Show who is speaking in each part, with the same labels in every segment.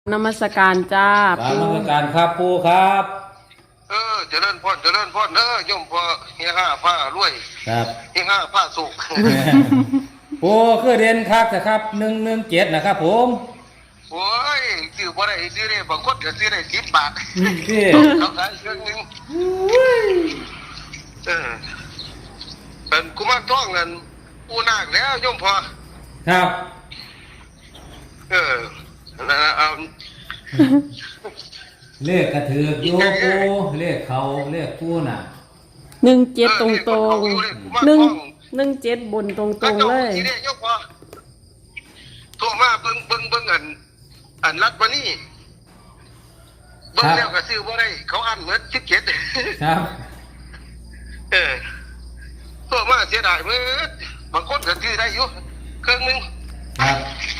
Speaker 1: นมัสการจ้า
Speaker 2: ตาม
Speaker 1: ปู
Speaker 2: มาตรการครับปูครับ
Speaker 3: เจริญพรโยมพ่อเฮียห้าผ้ารวย
Speaker 2: ครับ
Speaker 3: เฮียห้าผ้าสุก
Speaker 2: ปูคือเรียนครับนะครับ117นะครับผม
Speaker 3: โอ้ยซื้อบ่ได้ซื้อได้บางคนก็ซื้อได้10 บาท
Speaker 2: ที่
Speaker 3: เขาขายเครื่องนึงเป็นกุมารทองนั่นปูนาคแล้วโยมพ่อ
Speaker 2: ครับ
Speaker 3: นั่นน่ะเอา
Speaker 2: เลขกระถือกโยปูเลขเขาเลขปูน่ะ
Speaker 1: 17ตรง117บนตรงๆเลย
Speaker 3: ทีนี้โยมพ่อโทรมาเบิ่งอันรัดมานี่เบิ่งแล้วก็ซื้อบ่ได้เขาอั้นเหมือน17
Speaker 2: ครับ
Speaker 3: ตัวมาเสียดายเมื่อบางคนก็ซื้อได้อยู่เครื่องนึง
Speaker 2: ครับ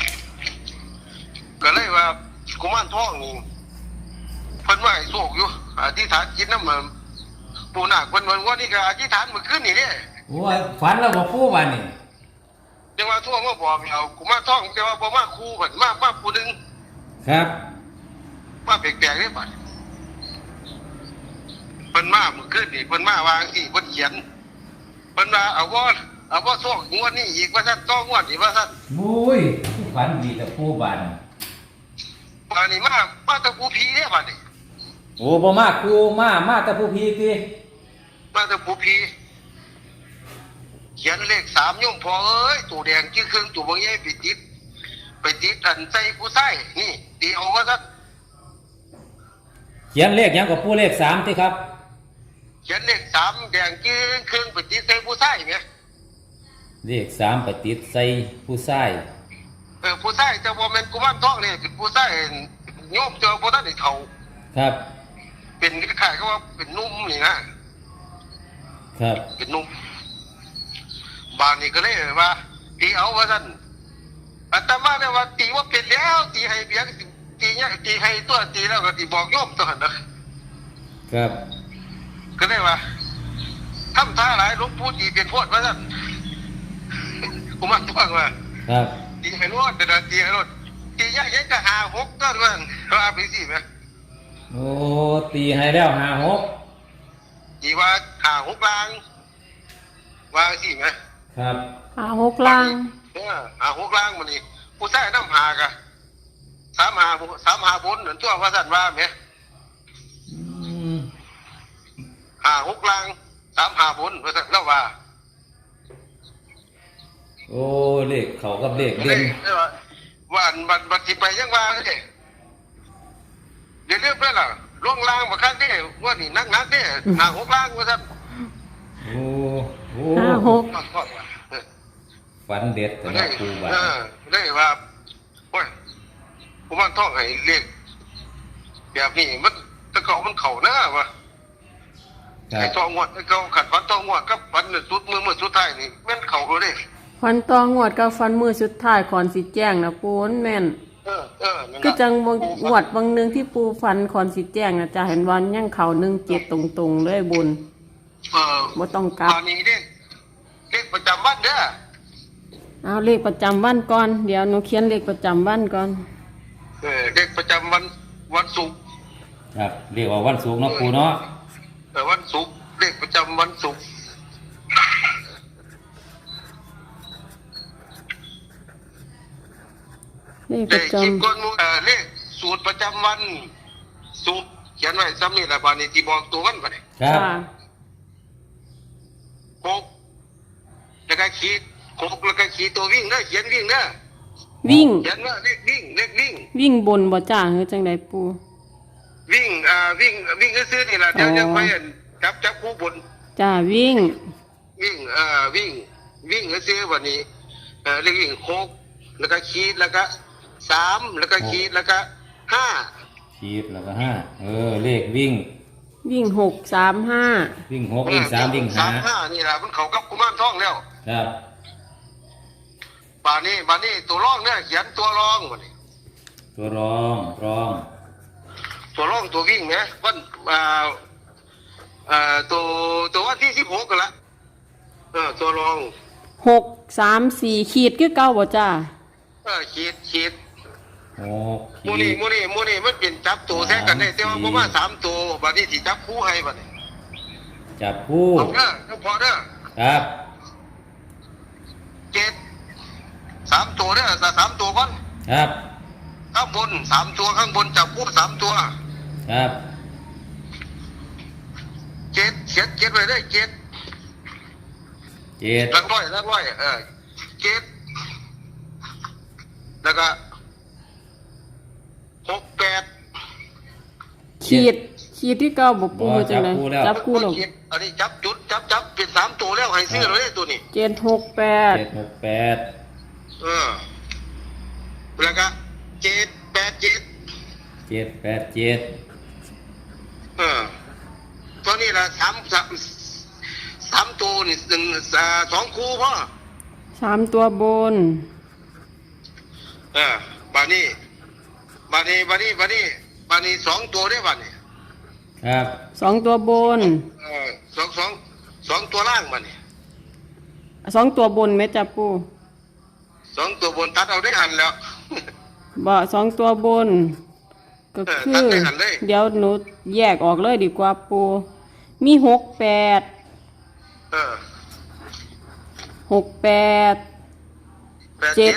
Speaker 3: ก็เลยว่ากุมารทองนี่เพิ่นว่าให้โชคอยู่อธิษฐานจิตนำปู่นาคเพิ่นว่านี่ก็อธิษฐานเมื่อคืนนี่เด้
Speaker 2: โอ้ยฝันแล้วบ่ปูบัดนี้
Speaker 3: จังว่าทั่วมาบอกเรากุมารทองแต่ว่าบ่มาคู่เพิ่นมาผู้นึง
Speaker 2: ครับ
Speaker 3: มาแปลกๆเด้บัดเพิ่นมาเมื่อคืนนี่เพิ่นมาวางที่เพิ่นเขียนเพิ่นว่าเอาบ่โชคงวดนี้อีกว่าซั่นต่องวดอีกว่าซั่น
Speaker 2: มุ้ยฝันดีแต่ปูบัด
Speaker 3: บัดนี้มาตะปูผีเด้บัดนี้
Speaker 2: โอ้บ่มาครูมาแต่ผู้พี่ติ
Speaker 3: มาตะปูผีเขียนเลข3โยมพ่อเอ้ยตัวแดงจื้อเครื่องตัวบ่ใหญ่ไปติดอันใส่ผู้ชายนี่ตีเอาว่าซั่น
Speaker 2: เขียนเลขหยังกับปูเลข3ติครับ
Speaker 3: เขียนเลข3แดงจื้อเครื่องไปติดใส่ผู้ชายแหม
Speaker 2: เลข3ไปติดใส่ผู้ชาย
Speaker 3: ผู้ชายแต่บ่แม่นกุมารทองนี่คือผู้ชายโยมเจอบ่ทันได้เฒ่า
Speaker 2: ครับ
Speaker 3: เป็นคล้ายๆกับว่าเป็นหนุ่มนี่นะครับเป็นหนุ่มบ้านนี้ก็เลยว่าตีเอาว่าซั่นอาตมาเนี่ยว่าตีว่าเป็นแล้วตีให้เบียงตีเนี่ยตีให้ตัวตีแล้วก็ตีบอกโยมตัวนั้นนะครับก็เลยว่าทำท่าหลายหลวงปู่ตีเป็นโพดว่าซั่นกุมารทองว่า
Speaker 2: ครับ
Speaker 3: ตีให้รถแต่ตีให้รถตียากยังก็56ก็ว่าเขาเอาไปสิแม่
Speaker 2: โอ้ตีให้แล้ว56
Speaker 3: ตีว่า56ล้างว่าสิแม่
Speaker 2: ครับ
Speaker 1: 56ล่าง
Speaker 3: 56ล้างมันนี่ผู้ชายนำหากะ35บนนั่นตัวว่าซั่นว่าแม่56ล้าง35บนว่าซั่นแล้วว่า
Speaker 2: โอ้เลขเขากับเลขเด่น
Speaker 3: ว่าบัดสิไปยังว่าเด้เดี๋ยวเรื่องเพิ่นล่ะลงล่างบ่คันเด้ว่านี่นักๆเด้56ล้างว่าซั่น
Speaker 2: โอ้ฝันเด็ดแต่ละครูบา
Speaker 3: ได้ว่าโอ้ยผมว่าท่องให้เลขแบบนี้มันตะเกามันเข้านะว่าไอ้ท่องงวดไอ้เก่าขัดฝันท่องงวดกับฝันสุดมือสุดท้ายนี่แม่นเข้าโดเด้
Speaker 1: ฟันตองวดกับฟันมือสุดท้ายก่อนสิแจ้งนะปูนแม่นคือจังงวดบางนึงที่ปูฟันก่อนสิแจ้งนะจะเห็นวันยังเข้า17ตรงๆเลยบุญบ่ต้องกลับ
Speaker 3: ตอนนี้เลขประจำวันเด้อ
Speaker 1: เอาเลขประจำวันก่อนเดี๋ยวหนูเขียนเลขประจำวันก่อน
Speaker 3: เลขประจำวันศุกร์
Speaker 2: ครับเรียกว่าวันศุกร์เนาะปูเนาะ
Speaker 3: วันศุกร์เลขประจำวันศุกร์
Speaker 1: เลขประจ
Speaker 3: ำเลขสูตรประจำวันศุกร์เขียนไว้ซ้ำนี่แหละบานี้ที่บอกตัววันไป
Speaker 2: ครับ
Speaker 3: 6แล้วก็ขีด6แล้วก็ขีดตัววิ่งเด้อเขียนวิ่งเด้อ
Speaker 1: วิ่ง
Speaker 3: เขียนว่าเลข
Speaker 1: วิ่งบนบ่จ้าคือจังได๋ปู่
Speaker 3: วิ่งซื่อๆนี่ล่ะเดี๋ยวยังไปจับผู้บน
Speaker 1: จ้าวิ่ง
Speaker 3: ซื่อๆวันนี้เลขวิ่ง6แล้วก็ขีดแล้วก็3แล้วก็ขีดแล้วก็5
Speaker 2: ขีดแล้วก็5เลขวิ่ง
Speaker 1: 6 3 5
Speaker 2: วิ่ง6วิ่ง3วิ่ง
Speaker 3: 5นี่ล่ะมันเข้ากับกุมารทองแล้ว
Speaker 2: ครับ
Speaker 3: บานี้ตัวรองเนี่ยเขียนตัวรองบัดนี้
Speaker 2: ตัวรอง
Speaker 3: ตัววิ่งนะวันตัววันที่16กันละตัวรอง
Speaker 1: 6 3 4ขีดคือเก่าบ่จ้า
Speaker 3: ขีด
Speaker 2: โอ้
Speaker 3: มูนี่มันเป็นจับตัวแท้กันได้แต่ว่าบ่มา3ตัวบัดนี้สิจับคู่ให้บัดนี้
Speaker 2: จับคู่
Speaker 3: เอาเด้อต้องพอเด้อ
Speaker 2: ครับ
Speaker 3: 3ตัวเด้อ3ตัวก่อน
Speaker 2: ครับ
Speaker 3: ข้างบน3ตัวข้างบนจับคู่3ตัว
Speaker 2: ครับ
Speaker 3: เจ็ดไว้ได้7
Speaker 2: 7
Speaker 3: หลักร้อย7แล้วก็68
Speaker 1: ขีดที่เก้าบ่ปูจังได๋จับคู่หรอก
Speaker 3: อันนี้จับจุดจับเป็น3ตัวแล้วให้ซื้อเลยตัวนี้
Speaker 1: 768
Speaker 2: 768
Speaker 3: แล้วก็787
Speaker 2: 787
Speaker 3: ตัวนี้ละ3ตัวนี่2คู่พ่อ
Speaker 1: 3ตัวบน
Speaker 3: บานี้2ตัวได้บานี้
Speaker 2: ครับ
Speaker 1: 2ตัวบน
Speaker 3: สองตัวล่างบานี้
Speaker 1: 2ตัวบนแม่จับปู
Speaker 3: 2ตัวบนตัดเอาได้หันแล้ว
Speaker 1: บ่2ตัวบน ก็คื
Speaker 3: ตัด
Speaker 1: อ
Speaker 3: ได้หันเลย
Speaker 1: เดี๋ยวหนูแยกออกเลยดีกว่าปูมี68
Speaker 3: 7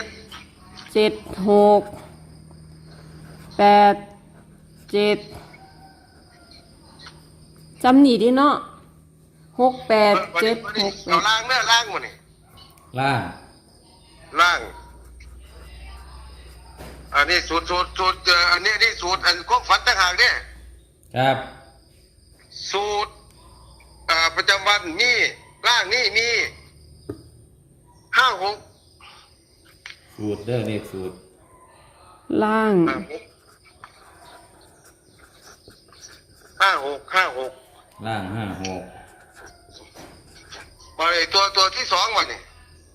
Speaker 1: จำหนีดิเนาะ68
Speaker 3: เอาล่างเนื้อล่างมานี่
Speaker 2: ล่าง
Speaker 3: ล่าง อันนี้สูตรอันนี้สูตรอันของฝันต่างหากเนี่ย
Speaker 2: ครับ
Speaker 3: สูตรประจำวันมีล่างนี่มี56
Speaker 2: สูตรเด้อเลขสูตร
Speaker 1: ล่าง
Speaker 3: 56
Speaker 2: ล่าง56
Speaker 3: มาเลยตัวที่2มานี่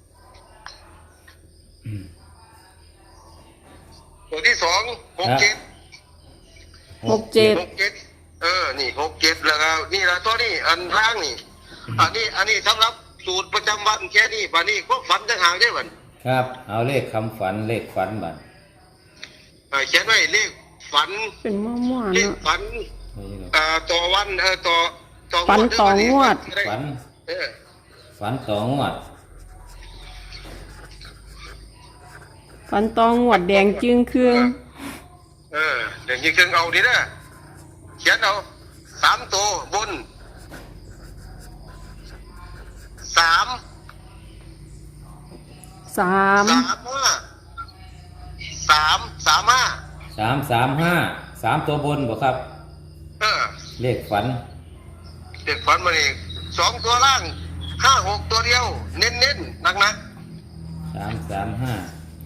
Speaker 3: ตัวที่2 67 นี่67แล้วก็นี่ละตัวนี้อันล่างนี่อันนี้สำหรับสูตรประจำวันแค่นี้บัดนี้ก็ฝันต่างหากได้บัด
Speaker 2: ครับ เอาเลขคำฝันเลขฝันบัด
Speaker 3: เขียนไว้เลขฝัน
Speaker 1: เป็นมั่วๆ
Speaker 3: เลข
Speaker 1: เนาะ
Speaker 3: ฝันต่อวันต่อ
Speaker 1: ฝันต่องวด
Speaker 2: ฝัน
Speaker 3: เออ
Speaker 2: ฝันต่องวด
Speaker 1: ฟันตองหวดแดงจึงเครื่อง
Speaker 3: เดี๋ยวนี้เครื่องเอาดีนะเขียนเอา3ตัวบน3
Speaker 1: 3
Speaker 2: 335 3ตัวบนบ่ครับ เลขฝัน
Speaker 3: เด็กฝันมาอีก2ตัวล่าง56ตัวเดียวเน้นๆหนัก
Speaker 2: 335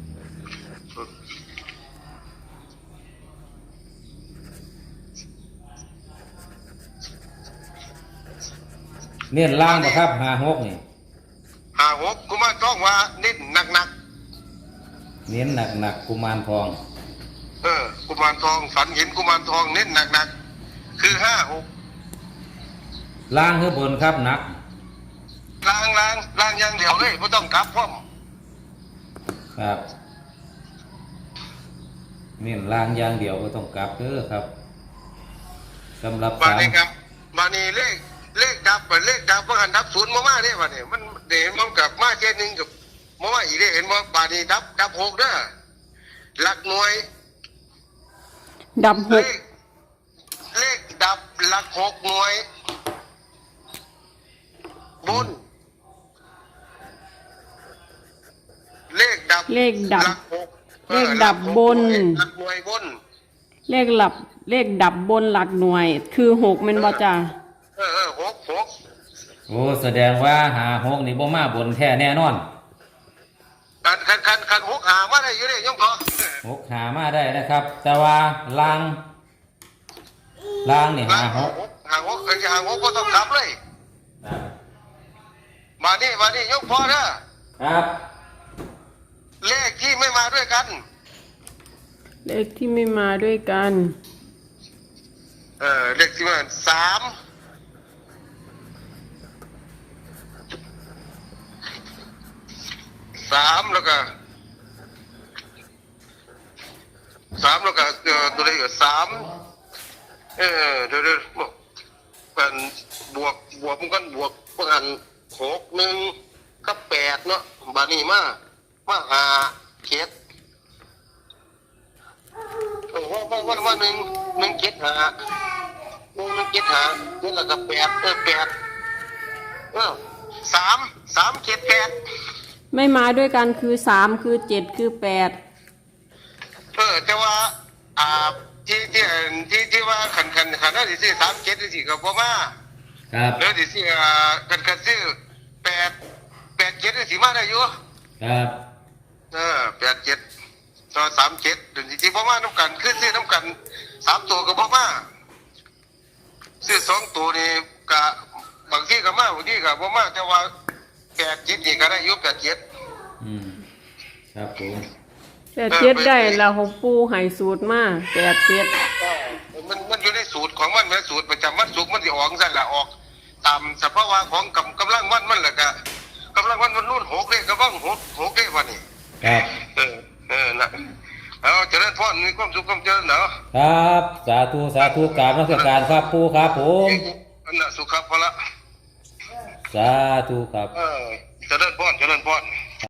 Speaker 2: เน้นล่างบ่ครับ56นี่
Speaker 3: 56กูมาต้องว่าเน้นหนัก
Speaker 2: เน้นหนักกุมารทอง
Speaker 3: กุมารทองฝันเห็นกุมารทองเน้นหนักคือ56
Speaker 2: ล่างคือบนครับหนัก
Speaker 3: ล้างอย่างเดียวเลยไม่ต้องกลับพร้อม
Speaker 2: ครับเน้นล่างอย่างเดียวก็ต้องกลับเด้อครับสำหรับ
Speaker 3: มานี่ครับมานี่เลขดับว่าหันดับ0มาเนี่ยวันนี้มันเดี๋ยวมันกลับมาเช่นนึงกับมาอีกได้เห็นว่าบานี้ดับ6เด้อหลักหน่วย
Speaker 1: ดับ
Speaker 3: เลขดับหลัก6หน่วยบนเลขดับ
Speaker 1: เลขดับ
Speaker 3: หลัก6
Speaker 1: เลขดับบน
Speaker 3: หลักหน่วยบน
Speaker 1: เลขดับบนหลักหน่วย คือ6แม่นบ่จ้า
Speaker 3: 6
Speaker 2: โอ้แสดงว่า56นี่บ่มาบนแท้แน่นอน
Speaker 3: คัน6หามาได้อยู่เลยยงพอ
Speaker 2: 6หามาได้นะครับ แต่ว่าล่างนี่56
Speaker 3: หา6ก็ต้องกลับเลยมานี่ยกพอเด้อ
Speaker 2: ครับ
Speaker 3: เลขที่ไม่มาด้วยกัน
Speaker 1: เลขที่ไม่มาด้วยกัน
Speaker 3: เลขที่มา3แล้วก็สามแล้วก็ตัวเลขสามเดี๋ยวเป็นบวกมันกันบวกเพื่อน6 1กับ8เนาะบานี้มา5 7ว่า1 7 5 1 7 5นี่แล้วก็8 3 7 8
Speaker 1: ไม่มาด้วยกันคือ3คือ7คือ8
Speaker 3: แต่ว่าที่ว่าขันได้สิ37สิก็บ่มา
Speaker 2: ครับ
Speaker 3: แล้วสิกันซื้อ8 7สิมาได้อยู่
Speaker 2: ครับ
Speaker 3: 87ต่อ37เดี๋ยวสิบ่มานํกันคือซื้อนํกัน3ตัวก็บ่มาซื้อ2ตัวนี่ก็บางทีก็มาบางทีก็บ่มาแต่ว่า87นี่ก็ได้อยู่87
Speaker 2: อืมครับผม
Speaker 1: 87ได้แล้วของปูให้สูตรมา87
Speaker 3: มันอยู่ในสูตรของมันแม่สูตรประจำวันศุกร์มันสิออกซั่นล่ะออกตามสภาวะของกำลังวันมันล่ะก็กำลังวันรุ่น6เลขก็บ้าง6เลขวันนี้
Speaker 2: ครับ
Speaker 3: นะเอาเจริญพรมีความสุขความเจริญเนาะ
Speaker 2: ครับสาธุสาธุกราบนมัสการครับปูครับผม
Speaker 3: อันน่ะสุขภาพละ
Speaker 2: สาธุครับ
Speaker 3: เจริญพร